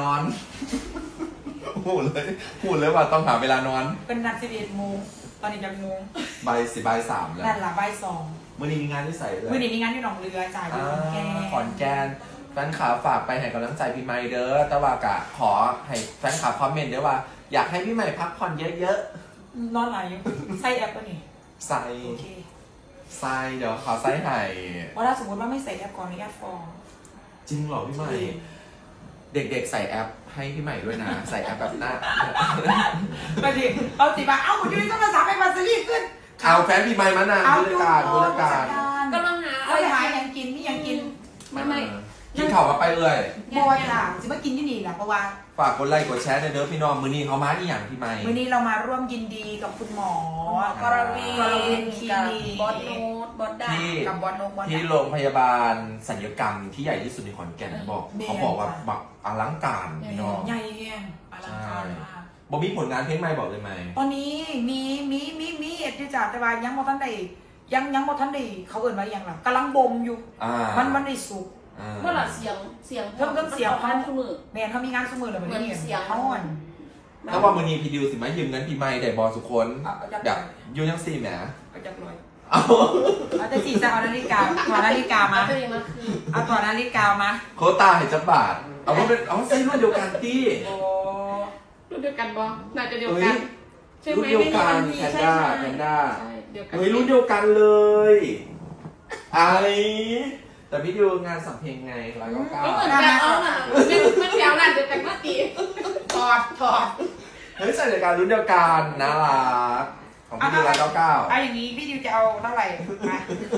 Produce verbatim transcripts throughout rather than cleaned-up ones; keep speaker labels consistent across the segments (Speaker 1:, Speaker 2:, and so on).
Speaker 1: อนพูดเลยพูดเลยว่าต้องหาเวลานอน
Speaker 2: เป็นนัดสิบเอ็ดโมงตอนนี้จะโมง
Speaker 1: ใบสิบใบสามแล้ว
Speaker 2: นั่นละบ่ายสอง
Speaker 1: มื่อนี้มีงานที่ใส่เลย
Speaker 2: มื่อนี้มีงานที่หนองเรือจ่ายที่ขอนแก่น
Speaker 1: ขอนแก่นแฟนคลับฝากไปให้กำลังใจพี่ใหม่เด้อแต่ว่ากะขอให้แฟนคลับคอมเมนต์ด้วยว่าอยากให้พี่ใหม่พักผ่อนเยอะ
Speaker 2: นอนไหนใส่แอปป่ะนี่
Speaker 1: ๆใส่
Speaker 2: โอเค
Speaker 1: ใส่เดี๋ยวขอใส่ให้
Speaker 2: ว่าถ้าสมมติว่าไม่ใส่แอปก่อนอนุญาตฟ้อง
Speaker 1: จริงเหรอพี่ใหม่เด็กๆใส่แอปให้พี่ใหม่ด้วยนะ ใส่แอปแบบหน้า
Speaker 2: ไปดิเอาสิบาทเอาคุณยุ้ยต้องมาสามไปมาซีรีส์ขึ้น
Speaker 1: เอาแฟนพี่ใหม่มานานบริการบริการ
Speaker 3: กำลังหา
Speaker 2: เอาไปหายังกินนี่ยังกิน
Speaker 3: ไม่ไม่
Speaker 1: กินข่าวมาไปเลย
Speaker 2: บอยค่ะจะมากินที่นี่แหละเพราะว่า
Speaker 1: ฝากกดไลค์กดแชร์เด้อพี่น้องมือนี้เขามาอีหยังพี่ใหม่
Speaker 2: วันนี้เรามาร่วมยินดีกับคุณหมอก
Speaker 3: รวี
Speaker 2: กรวีคลิ
Speaker 3: กับ
Speaker 2: นิก
Speaker 3: บอสโนตบอสดา
Speaker 1: ที่
Speaker 2: กับบอลโนบอล
Speaker 1: ที่โรงพยาบาลศัลยกรรมที่ใหญ่ที่สุดในขอนแก่นบอก
Speaker 2: แม่
Speaker 1: เขาบอกว่าแบบอลังการพี่น้อง
Speaker 2: ใหญ่แห้งอลังการมาก
Speaker 1: บอกมีผลงานเพลงใหม่บอกเลยไหม
Speaker 2: ตอนนี้มีมีมีมีเอ็ดที่จ่าแต่ว่ายังบ่ทันได้ยังยังบ่ทันได้เขาเอิ่นว่าอหยังล่ะกำลังบ่มอยู่
Speaker 1: อ่า
Speaker 2: มันมันได้สุก
Speaker 1: อ่า
Speaker 3: เมื่อไหร่เสียงเสียง
Speaker 2: เพิ่มเพิ่มเสียง
Speaker 3: พันทุกมือ
Speaker 2: แม่นเขามีงานสมือเลย
Speaker 3: เหมือน
Speaker 2: นี้
Speaker 3: เสียง
Speaker 2: เขาอ่อน
Speaker 1: ถ้าว่ามือนี้พี่ดิวสิมายืมเงินพี่ใหม่ได้บอสุคน
Speaker 2: เอาเอาจับ
Speaker 1: แบบยูยังสี่แหม
Speaker 2: เอาจักรอย
Speaker 1: เอา
Speaker 2: เอาแต่สีจะเอานาฬิกาถอดนาฬิกามา
Speaker 3: ตัวเองมาคือ
Speaker 2: เอาถอดนาฬิกามา
Speaker 1: โคตาเห็นจับบาทเอาว่าเป็นเอาใส่รุ่นเดียวกันที่
Speaker 2: โอ้
Speaker 3: รุ่นเดียวกันบอน่าจะเดียว
Speaker 1: เฮ้
Speaker 3: กั
Speaker 1: ย
Speaker 3: นใช่ไหม
Speaker 1: รุ่นเดียวกัน
Speaker 3: ไม่
Speaker 1: แพ
Speaker 3: ใช่
Speaker 1: นด้า
Speaker 3: ใช่
Speaker 1: แพนด้า
Speaker 3: ใช่เดียวกัน
Speaker 1: เฮ้ยรุ่นเดียวกันเลยอะไรแต่พี่ดิวงานสัมเพลงไงร้อยเก้าเก้า
Speaker 3: ก็เหมือนกันเอาน่ะมันแถวนั้นเดียวกันเมื่อกี้
Speaker 2: ถอดถอด
Speaker 1: เฮ้ยใส่รายการรุ่นเดียวกันน่ารักของพี่ดิวร้อยเก้าเก้า
Speaker 2: เอาอย่างนี้พี่ดิวจะเอาเท่าไหร่มา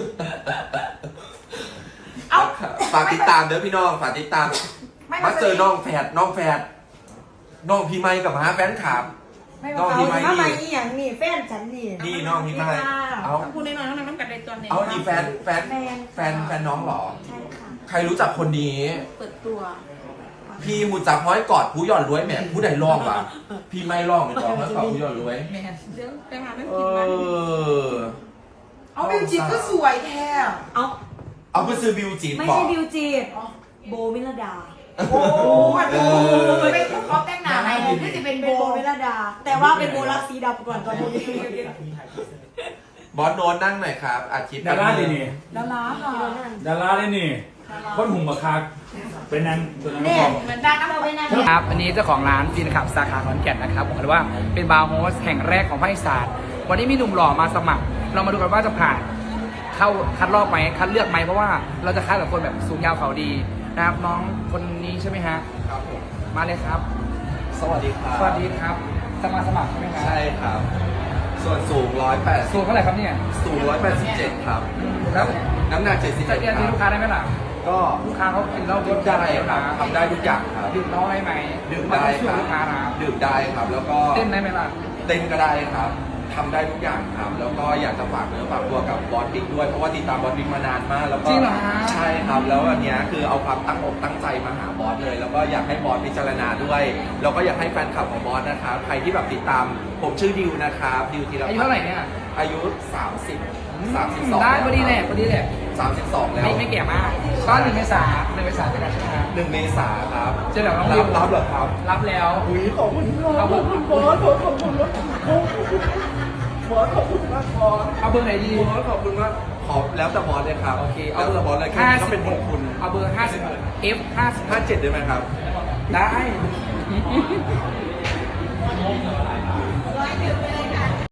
Speaker 2: เอา
Speaker 1: ฝากติดตามเด้อพี่น้องฝากติดตาม
Speaker 2: ไม่
Speaker 1: มาเจอน้องแฝดน้องแฝดน้องพี่ไมค์กับมาแฟนคลับ
Speaker 2: ไม่
Speaker 1: น้อง
Speaker 2: เอา
Speaker 1: พี่ไมค์
Speaker 4: ทำไม
Speaker 1: นี่
Speaker 4: อีหยังนี่แฟนฉันนี่
Speaker 1: นี่น้องพี่ไมค์เอา
Speaker 3: พูดน้อยๆน้องน้ำกันในตัวเนี่ย
Speaker 1: เอานี่แฟนแฟนแฟนแฟนน้องเหรอ
Speaker 4: ใช่ค่ะ
Speaker 1: ใครรู้จักคนนี้
Speaker 3: เปิดตัว
Speaker 1: พี่หูจักห้อยกอดผู้หย่อนรวยแหมผู้ใดร้องวะพี่ไม่ร้องเลยจ้ะห้อยกอดผู้หย่อนรวย
Speaker 2: แม่น
Speaker 3: เดี๋ยวไปหาเรื่อง
Speaker 1: เอ
Speaker 3: กินมัน
Speaker 1: อ
Speaker 2: เอาบิวจิตก็สวยแท้
Speaker 4: เอา
Speaker 1: เอาไปซื้อบิวจีบ
Speaker 4: ไม่
Speaker 1: บอ
Speaker 4: ใช่
Speaker 1: ก
Speaker 4: บิวจีดโบมิลดา
Speaker 2: โอ้โหเป็นเขาแต่งหน้าไหนที่จะเป็น
Speaker 4: เป็น
Speaker 2: โบ
Speaker 4: โบมิลดา แต่ว่าเป็นโบรักสีดำก่อนตอนนี้
Speaker 1: บอสโน้ตนั่งหน่อยครับอาทิตย์
Speaker 5: ดาราเลยนี่
Speaker 2: ดาราค่ะ
Speaker 5: ดาราเลยนี่คนหุ่มบักคักเป็นนางตัวนั้น
Speaker 4: เนี่ย
Speaker 5: บอก
Speaker 2: เหมือนดังน้ำไปนั่น
Speaker 6: ครับ อันนี้เจ้าของร้านฟินขับสาขาขอนแก่นนะครับบอกเลยว่าเป็นบาร์โฮสแห่งแรกของภาคอีสานวันนี้มีหนุ่มหล่อมาสมัคร เรามาดูกันว่าจะผ่านเข้าคัดรอบไหมคัดเลือกไหมเพราะว่าเราจะคัดกับคนแบบสูงยาวเขาดีนะครับน้องคนนี้ใช่ไหมฮะ
Speaker 1: ครับผม
Speaker 6: มาเลยครับ
Speaker 1: สวัสดีครับ
Speaker 6: สวัสดีครับจะมาสมัครใช่ไหมครับ
Speaker 1: ใช่ครับ ส่วนสูงร้อยแปด
Speaker 6: สูงเท่าไหร่ครับเนี่ย
Speaker 1: สูงร้อยแปดสิบเจ็ดครับ
Speaker 6: แล้ว
Speaker 1: น้ำหนักเจ็ดสิบ
Speaker 6: จะ
Speaker 1: เจ็ด
Speaker 6: เรียน
Speaker 1: ค
Speaker 6: ที่
Speaker 1: รับ
Speaker 6: ลูกค้าได้ไหมล่ะ
Speaker 1: ก็
Speaker 6: ลูกค้าเขากินเหล้า
Speaker 1: ดื่มได้ครับทำได้ทุกอย่างครับ
Speaker 6: ดื่มเหล้าได้ไหม
Speaker 1: ดื่มได้ค
Speaker 6: ลู
Speaker 1: รับ
Speaker 6: กค้านะครับ
Speaker 1: ดื่มได้ครับ แล้วก็
Speaker 6: เต้นได้ไหมล่ะ
Speaker 1: เต้นก็ได้ครับทำได้ทุกอย่างครับ แล้วก็อยากจะฝากเนื้อฝากตัวกับบอสบิ๊กด้วย เพราะว่าติดตามบอสบิ๊กมานานมาก แล้วก็
Speaker 6: จริงเหรอฮะ
Speaker 1: ใช่ครับ แล้ววันเนี้ยคือเอาความตั้งอกตั้งใจมาหาบอสเลย แล้วก็อยากให้บอสพิจารณาด้วย แล้วก็อยากให้แฟนคลับของบอสนะครับ ใครที่แบบติดตาม ผมชื่อดิวนะครับ ดิวธีรพัฒน์
Speaker 6: อายุเท่าไหร่เนี่ย
Speaker 1: อายุ สามสิบ สามสิบสอง
Speaker 6: ได้พอดีแหละพอดีแหละ
Speaker 1: สามสิบสองแล้ว
Speaker 6: ไม่ไม่แก่มากก็หนึ่งเมษาหนึ่งเมษาเป็นการใช่ไหมครับ
Speaker 1: หนึ่งเมษาครับ
Speaker 6: เจอแบบน้องดิ
Speaker 1: รั
Speaker 6: ว
Speaker 1: บรับเหรอครับ
Speaker 6: รับแล้ว
Speaker 1: อุ้ยขอบคุณครับ
Speaker 6: เอา
Speaker 1: ข
Speaker 6: เบ
Speaker 1: อ
Speaker 6: อบ ร์
Speaker 1: คุณบอสขอบคุณบอสบอสขอบคุณมากบอส
Speaker 6: เอาเบอร์ไหนดี
Speaker 1: บอสขอบคุณมากขอแล้วแต่บอสเลยครับ
Speaker 6: โอเค
Speaker 1: เอาแต่บอสเลยแค่
Speaker 6: ห้า
Speaker 1: นี้
Speaker 6: สิ
Speaker 1: ก็
Speaker 6: บ
Speaker 1: เป็นของคุณ
Speaker 6: เอาเบอร์ห้าสิบ F ห้าสิบ
Speaker 1: ห้าเจ็ดได้ไหมครับ
Speaker 6: ได้